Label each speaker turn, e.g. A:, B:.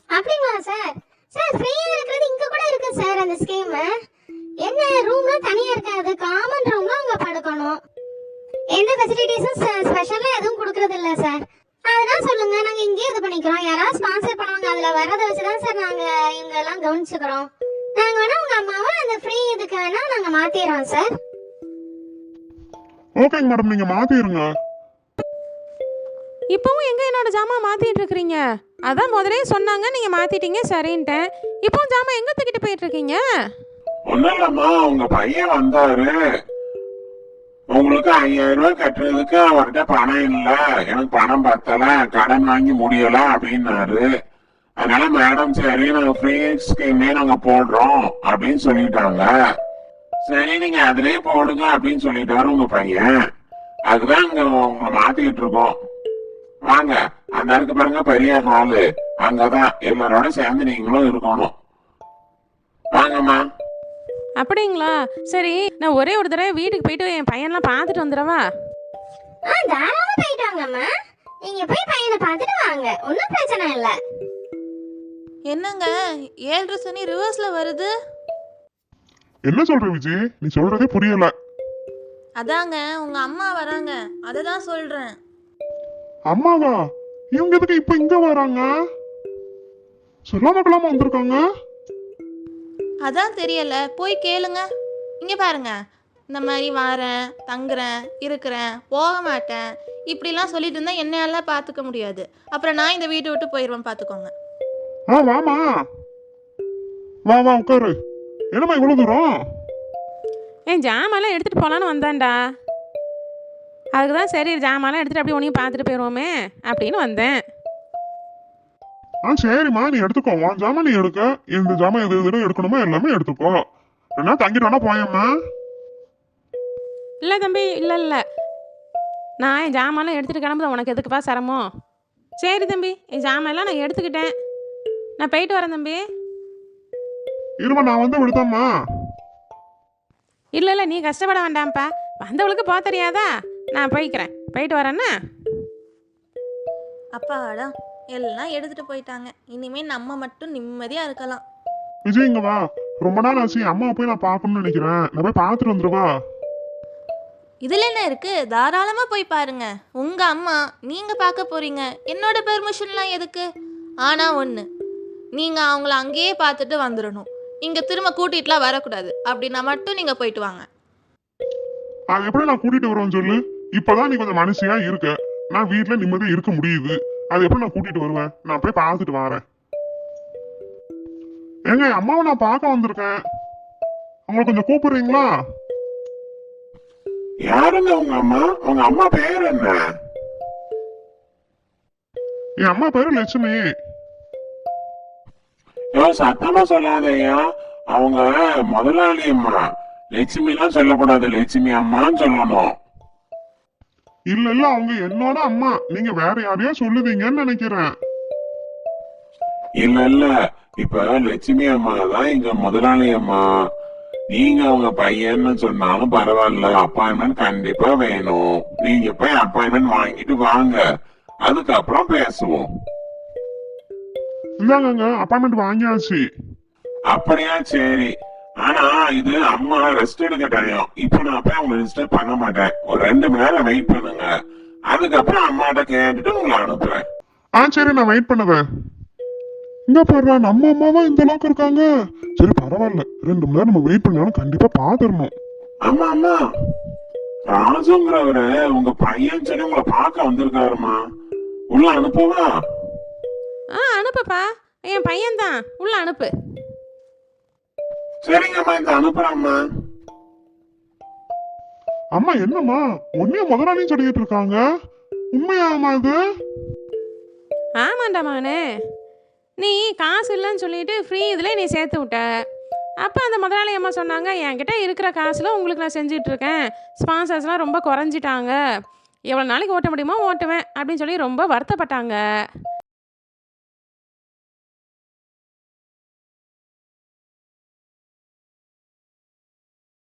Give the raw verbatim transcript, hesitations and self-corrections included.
A: அப்படிங்களா sir? Sir ஃப்ரீயா இருக்கிறது இங்க கூட இருக்கு சார் அந்த ஸ்கீம். என்ன ரூம்லாம் தனியா இருக்காது, காமன் ரூம்ல அவங்க படுக்கணும். எந்த ஃபெசிலிட்டிஸும் ஸ்பெஷலா எதுவும் கொடுக்கறது இல்ல சார். அதெல்லாம் சொல்லுங்க, நாங்க இங்கேயே இது பண்ணிக்கிறோம். யாராவது ஸ்பான்சர் பண்ணுவாங்க, அதுல வரதை வச்சுதான் சார் நாங்க இவங்க எல்லாம் கவனிச்சுக்கிறோம். நாங்க வேணா உங்க அம்மாவை அந்த ஃப்ரீ இதுக்கு வேணா நாங்க மாத்திடுறோம் சார்.
B: ஓகேங்க மேடம், நீங்க மாத்திடுங்க.
C: இப்பவும் எங்க என்னோட ஜாமான் மாத்திட்டு இருக்கிறீங்க? அதான் முதலே சொன்னாங்க, நீங்க மாத்திட்டீங்க சரின்ட்டேன். இப்பவும் ஜாமான் எங்க தூக்கிட்டு போயிட்டு இருக்கீங்க?
D: ஒன்னும் இல்லம்மா, உங்க பையன் வந்தாரு. உங்களுக்கு ஐயாயிரம் ரூபாய் கட்டுறதுக்கு அவர்கிட்ட பணம் இல்ல, எனக்கு பணம் பத்தல, கடன் வாங்கி முடியல அப்படின்னாரு. அதனால மேடம் சரி நாங்க ஃப்ரீ ஸ்கீமே நாங்க போடுறோம் அப்படின்னு சொல்லிட்டாங்க. சரி நீங்க அதுலயே போடுங்க அப்படின்னு சொல்லிட்டாரு உங்க பையன். அதுதான் இங்க உங்களை மாத்திக்கிட்டு இருக்கோம். வாங்க, அந்த இருக்கு பாருங்க பெரிய ஹாலு, அங்கதான் எல்லாரோட சேர்ந்து நீங்களும் இருக்கணும். வாங்கம்மா.
C: அப்படிங்களா? சரி, நான் ஒரே ஒரு தடவை வீட்டுக்கு போயிட்டு என் பையன்லாம் பார்த்துட்டு வந்துடவா?
A: ஆ தாராளமா போயிட்டு வாங்கம்மா. நீங்க போய் பையனை பார்த்துட்டு வாங்க, ஒன்றும் பிரச்சனை இல்லை.
E: என்னங்க ஏழரை சனி ரிவர்ஸ்ல வருது?
B: என்ன சொல்ற விஜய், நீ சொல்றதே புரியல.
E: அதாங்க உங்க அம்மா வராங்க, அதை தான் சொல்றேன்.
B: அம்மாவா? இவங்க எதுக்கு இப்ப இங்க வராங்க? சொல்லாம கொள்ளாம வந்திருக்காங்க.
E: அதான் தெரியல, போய் கேளுங்க. இங்க பாருங்க, இந்த மாதிரி வாரேன், தங்குறேன், இருக்கிறேன், போக மாட்டேன் இப்படிலாம் சொல்லிட்டு இருந்தா என்னால பார்த்துக்க முடியாது. அப்புறம் நான் இந்த வீட்டை விட்டு போயிடுவேன், பார்த்துக்கோங்க.
B: ஆ வாமா, வா வா உட்காரு. என்னம்மா இவ்வளவு தூரம்?
C: என் ஜாமான்லாம் எடுத்துட்டு போலான்னு வந்தேன்டா. அதுக்கு தான் சரி ஜாமான்லாம் எடுத்துட்டு அப்படியே உனையும் பார்த்துட்டு போயிடுவோமே அப்படின்னு வந்தேன்.
B: ஆ சரிம்மா, நீ எடுத்துக்கோ. உன் ஜாமான் நீ எடுக்க, இந்த ஜாமான் எது எது எடுக்கணுமோ எல்லாமே எடுத்துக்கோ. என்ன தங்கிட்டு வேணா போயம்மா.
C: இல்லை தம்பி, இல்லை இல்லை, நான் என் ஜாமான்லாம் எடுத்துகிட்டு கிளம்புது, உனக்கு எதுக்குப்பா சிரமம்? சரி தம்பி, என் ஜாமான்லாம் நான் எடுத்துக்கிட்டேன், நான் போயிட்டு வரேன் தம்பி.
B: இருமா, நான் வந்து விடுதம்மா.
C: இல்லை இல்லை, நீ கஷ்டப்பட வேண்டாம்ப்பா, வந்தவளுக்கு போக தெரியாதா? நான் போய்க்கிறேன், போயிட்டு வரேன்னா.
E: அப்பாடா, எல்லாம் எடுத்துட்டு போயிட்டாங்க. இனிமே நம்ம மட்டும் நிம்மதியா இருக்கலாம்.
B: விஜய் இங்க வா. ரொம்ப நாள் ஆச்சு, அம்மா போய் நான் பார்க்கணும்னு நினைக்கிறேன். நான் போய் பார்த்துட்டு வந்துருவா.
E: இதுல என்ன இருக்கு, தாராளமா போய் பாருங்க. உங்க அம்மா நீங்க பார்க்க போறீங்க, என்னோட பெர்மிஷன்லாம் எதுக்கு? ஆனா ஒண்ணு, நீங்க அவங்கள அங்கேயே பார்த்துட்டு வந்துடணும். இங்க திரும்ப கூட்டிட்டுலாம் வரக்கூடாது. அப்படின்னா மட்டும் நீங்க போயிட்டு வாங்க.
B: அது எப்படி நான் கூட்டிட்டு வருவேன்னு சொல்லு. இப்பதான் நீ கொஞ்சம் மனுஷியா இருக்க, நான் வீட்டுல நிம்மதியா இருக்க முடியுது. அது எப்படி நான் கூட்டிட்டு வருவேன்? நான் போய் பார்த்துட்டு வரேன். ஏங்க, அம்மாவை நான் பார்க்க வந்திருக்கேன், உங்களை கொஞ்சம் கூப்பிடுறீங்களா?
D: யாருங்க உங்க அம்மா? உங்க அம்மா பேர் என்ன?
B: என் அம்மா பேரு லட்சுமி.
D: சத்தமா சொல்லாதயா, அவங்க முதலாளி அம்மா. லட்சுமி எல்லாம் சொல்லக்கூடாது, லட்சுமி அம்மான்னு சொல்லணும்.
B: இல்ல இல்ல, அவங்க என்னோட அம்மா. நீங்க வேற யாரையா சொல்லுவீங்கன்னு நினைக்கிறேன்.
D: இல்ல இல்ல, இப்ப லட்சுமி அம்மா தான் இங்க முதலாளி அம்மா. நீங்க அவங்க பையன்னு சொன்னாலும் பரவாயில்ல, அப்பாயின்மெண்ட் கண்டிப்பா வேணும். நீங்க போய் அப்பாயின்மெண்ட் வாங்கிட்டு வாங்க, அதுக்கப்புறம் பேசுவோம்.
B: இந்தாங்க, அப்பாயின்மெண்ட் வாங்கியாச்சு.
D: அப்படியா? சரி. ஆனா இது அம்மா ரெஸ்ட் எடுக்க டைம். இப்ப நான் போய் அவங்க ரெஜிஸ்டர் பண்ண மாட்டேன். ஒரு ரெண்டு மணி நேரம் வெயிட் பண்ணுங்க, அதுக்கப்புறம் அம்மாட்ட கேட்டுட்டு உங்களை அனுப்புறேன்.
B: ஆ சரி, நான் வெயிட் பண்ணுவேன். இங்க பாரு, நம்ம அம்மாவா இந்த அளவுக்கு இருக்காங்க. சரி பரவாயில்ல, ரெண்டு மணி நேரம் நம்ம வெயிட் பண்ணாலும் கண்டிப்பா பாத்துடணும்.
D: அம்மா அம்மா, ராஜுங்கிறவரு உங்க பையன் சொல்லி உங்களை பார்க்க வந்திருக்காருமா, உள்ள அனுப்புவா?
C: ஆ அனுப்புப்பா, என் பையன்தான், உள்ள அனுப்பு.
D: சரிங்கம்மா, இந்த அனுப்புறேம்மா.
B: அம்மா என்னம்மா உன்னைய முதலாளியும் சொல்லிட்டு இருக்காங்க, உண்மையாமா இது?
C: ஆமாண்டா மகனே, நீ காசு இல்லைன்னு சொல்லிட்டு ஃப்ரீ இதில் நீ சேர்த்து விட்ட. அப்போ அந்த முதலாளி அம்மா சொன்னாங்க, என்கிட்ட இருக்கிற காசில் உங்களுக்கு நான் செஞ்சிட்ருக்கேன், ஸ்பான்சர்ஸ்லாம் ரொம்ப குறைஞ்சிட்டாங்க, எவ்வளோ நாளைக்கு ஓட்ட முடியுமோ ஓட்டுவேன் அப்படின்னு சொல்லி ரொம்ப வருத்தப்பட்டாங்க.